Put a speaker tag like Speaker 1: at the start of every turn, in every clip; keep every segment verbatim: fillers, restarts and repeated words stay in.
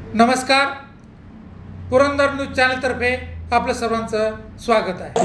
Speaker 1: नमस्कार, पुरंदर न्यूज चॅनलतर्फे आपलं सर्वांचं स्वागत आहे.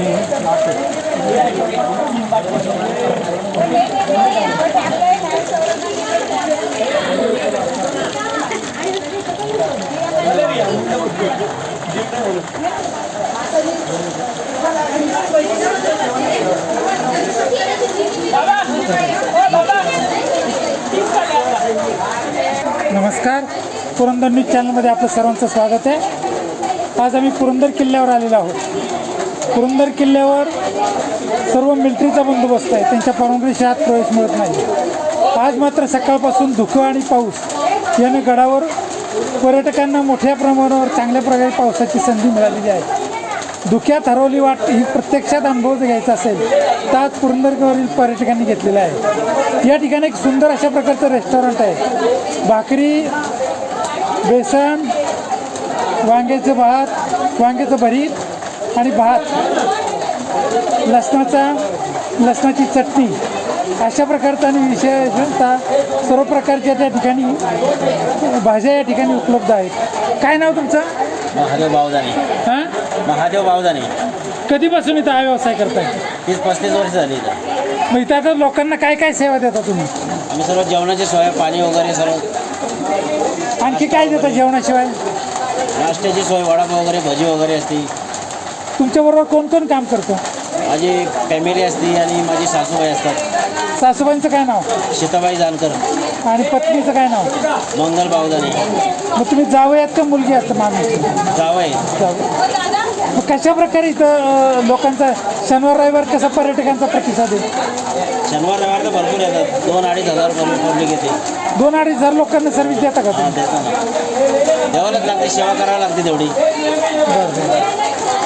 Speaker 1: नमस्कार, पुरंदर न्यूज चॅनलमध्ये आपलं सर्वांचं स्वागत आहे. आज आम्ही पुरंदर किल्ल्यावर आलेलो आहोत. पुरंदर किल्ल्यावर सर्व मिलिटरीचा बंदोबस्त आहे, त्यांच्या परवानगीशिवाय आत प्रवेश मिळत नाही. आज मात्र सकाळपासून धुकं आणि पाऊस याने गडावर पर्यटकांना मोठ्या प्रमाणावर चांगल्या प्रकारे पावसाची संधी मिळालेली आहे. धुक्यात हरवली वाट ही प्रत्यक्षात अनुभव घ्यायचा असेल तर आज पुरंदरवरील पर्यटकांनी घेतलेला आहे. या ठिकाणी एक सुंदर अशा प्रकारचं रेस्टॉरंट आहे. भाकरी, बेसन, वांग्याचं भात, वांग्याचं भरीत आणि भात, लसणाचा लसणाची चटणी अशा प्रकारचा आणि विशेषतः सर्व प्रकारच्या त्या ठिकाणी भाज्या या ठिकाणी उपलब्ध आहेत. काय नाव तुमचं?
Speaker 2: महादेव बावदाने.
Speaker 1: हां,
Speaker 2: महादेव बावदाने.
Speaker 1: कधीपासून इथं हा व्यवसाय करताय?
Speaker 2: तीस पस्तीस वर्ष झाली इथं.
Speaker 1: मग इथं आता लोकांना काय काय सेवा देता तुम्ही?
Speaker 2: आम्ही सर्व जेवणाची सोय, पाणी वगैरे सर्व.
Speaker 1: आणखी काय देता जेवणाशिवाय?
Speaker 2: नाश्त्याची सोय, वडापाव वगैरे, भजी वगैरे असते.
Speaker 1: तुमच्याबरोबर कोण कोण काम करतं?
Speaker 2: माझी फॅमिली असते आणि माझी सासूबाई असतात.
Speaker 1: सासूबाईंचं काय नाव?
Speaker 2: सीताबाई जानकर.
Speaker 1: आणि पत्नीचं काय नाव?
Speaker 2: मंगल बावदाने.
Speaker 1: मग तुम्ही जावं यात का मुलगी आहात? मामी
Speaker 2: जावई.
Speaker 1: मग कशा प्रकारे इथं लोकांचा शनिवार रविवार कसा पर्यटकांचा प्रतिसाद आहे?
Speaker 2: शनिवार रविवार तर भरपूर येतात. दोन अडीच हजार पब्लिक येते.
Speaker 1: दोन अडीच हजार लोकांना सर्व्हिस देता का?
Speaker 2: हां, देतो ना. द्यावंच लागते, सेवा करावी लागते तेवढी.
Speaker 1: बरं.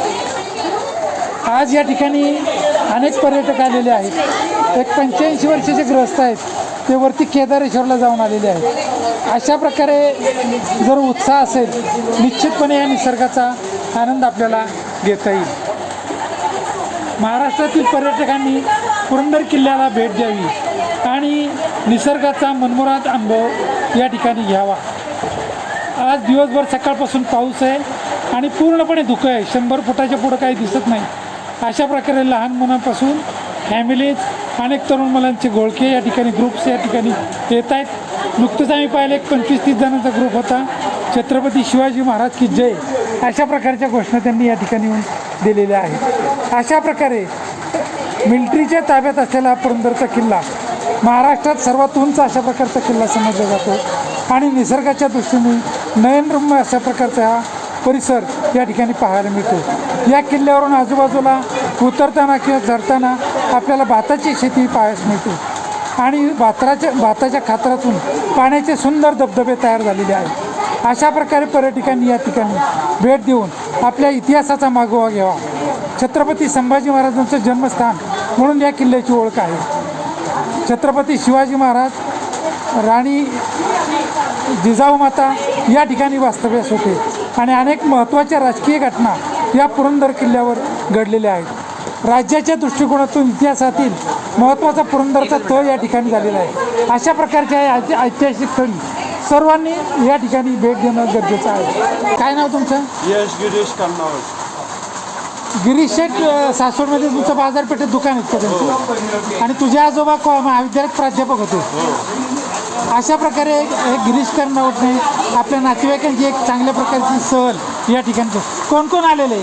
Speaker 1: आज या ठिकाणी अनेक पर्यटक आलेले आहेत. एक पंच्याऐंशी वर्षाचे गृहस्थ आहेत, ते वरती केदारेश्वरला जाऊन आलेले आहेत. अशा प्रकारे जर उत्साह असेल, निश्चितपणे या निसर्गाचा आनंद आपल्याला घेता येईल. महाराष्ट्रातील पर्यटकांनी पुरंदर किल्ल्याला भेट द्यावी आणि निसर्गाचा मनमोहक अनुभव या ठिकाणी घ्यावा. आज दिवसभर सकाळपासून पाऊस आहे आणि पूर्णपणे धुकं आहे. शंभर फुटाच्या पुढं काही दिसत नाही. अशा प्रकारे लहान मुलांपासून फॅमिलीज, अनेक तरुण मुलांचे घोळके या ठिकाणी, ग्रुप्स या ठिकाणी येत आहेत. नुकतंच आम्ही पाहिलं एक पंचवीस तीस जणांचा ग्रुप होता. छत्रपती शिवाजी महाराज की जय अशा प्रकारच्या घोषणा त्यांनी या ठिकाणी येऊन दिलेल्या आहेत. अशा प्रकारे मिलिटरीच्या ताब्यात असलेला पुरंदरचा किल्ला महाराष्ट्रात सर्वात उंच अशा प्रकारचा किल्ला समजला जातो आणि निसर्गाच्या दृष्टीने नयनरम्य अशा प्रकारचा हा परिसर या ठिकाणी पाहायला मिळतो. या किल्ल्यावरून आजूबाजूला उतरताना किंवा चढताना आपल्याला भाताची शेती पाहायला मिळते आणि भाताच्या भाताच्या खात्रातून पाण्याचे सुंदर धबधबे तयार झालेले आहेत. अशा प्रकारे पर्यटकांनी या ठिकाणी भेट देऊन आपल्या इतिहासाचा मागोवा घ्यावा. छत्रपती संभाजी महाराजांचं जन्मस्थान म्हणून या किल्ल्याची ओळख आहे. छत्रपती शिवाजी महाराज, राणी जिजाऊ माता या ठिकाणी वास्तव्यास होते आणि अनेक महत्त्वाच्या राजकीय घटना या पुरंदर किल्ल्यावर घडलेल्या आहेत. राज्याच्या दृष्टिकोनातून इतिहासातील महत्त्वाचा पुरंदरचा तळ या ठिकाणी झालेला आहे. अशा प्रकारच्या या ऐतिहासिक स्थळी सर्वांनी या ठिकाणी भेट देणं गरजेचं आहे. काय नाव तुमचं?
Speaker 3: यश गिरीश कन्नावळ.
Speaker 1: गिरीश शेठ, सासवडमध्ये तुमचं बाजारपेठेत दुकान आहे का? आणि तुझे आजोबा महाविद्यालयात प्राध्यापक होते. अशा प्रकारे एक गिरीश कर्नावटने आपल्या नातेवाईकांची एक चांगल्या प्रकारची सहल या ठिकाणी. कोण कोण आलेले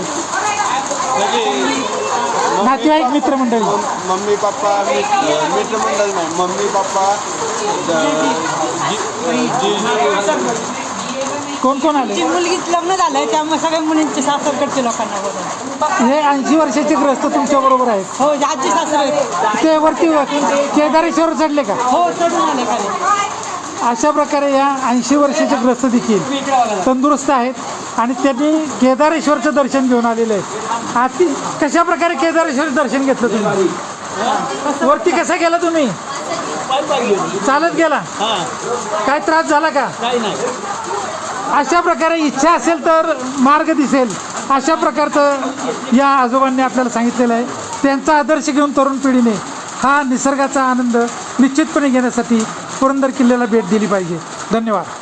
Speaker 1: नातेवाईक, मित्रमंडळी?
Speaker 3: मम्मी पप्पा, मित्रमंडळ नाही, मम्मी पप्पा,
Speaker 1: कोण कोण आले?
Speaker 4: मुलगीच लग्न झालंय त्यामुळे सगळ्या मुलींचे सासरकडचे लोकांना बोलवलं.
Speaker 1: हे ऐंशी वर्षाचे ग्रस्त तुमच्या बरोबर आहेत?
Speaker 4: हो, आजी सासर आहेत.
Speaker 1: ते वरती केदारेश्वर चढले का?
Speaker 4: हो, चढून आले खाली.
Speaker 1: अशा प्रकारे या ऐंशी वर्षाचे ग्रस्त देखील तंदुरुस्त आहेत आणि त्यांनी केदारेश्वरचं दर्शन घेऊन आलेले आहेत. आती कशा प्रकारे केदारेश्वर दर्शन घेतलं तुम्ही? वरती कसा गेला तुम्ही? चालत गेला? काय त्रास झाला का? अशा प्रकारे इच्छा असेल तर मार्ग दिसेल अशा प्रकारचं या आजोबांनी आपल्याला सांगितलेलं आहे. त्यांचा आदर्श घेऊन तरुण पिढीने हा निसर्गाचा आनंद निश्चितपणे घेण्यासाठी पुरंदर किल्ल्याला भेट दिली पाहिजे. धन्यवाद.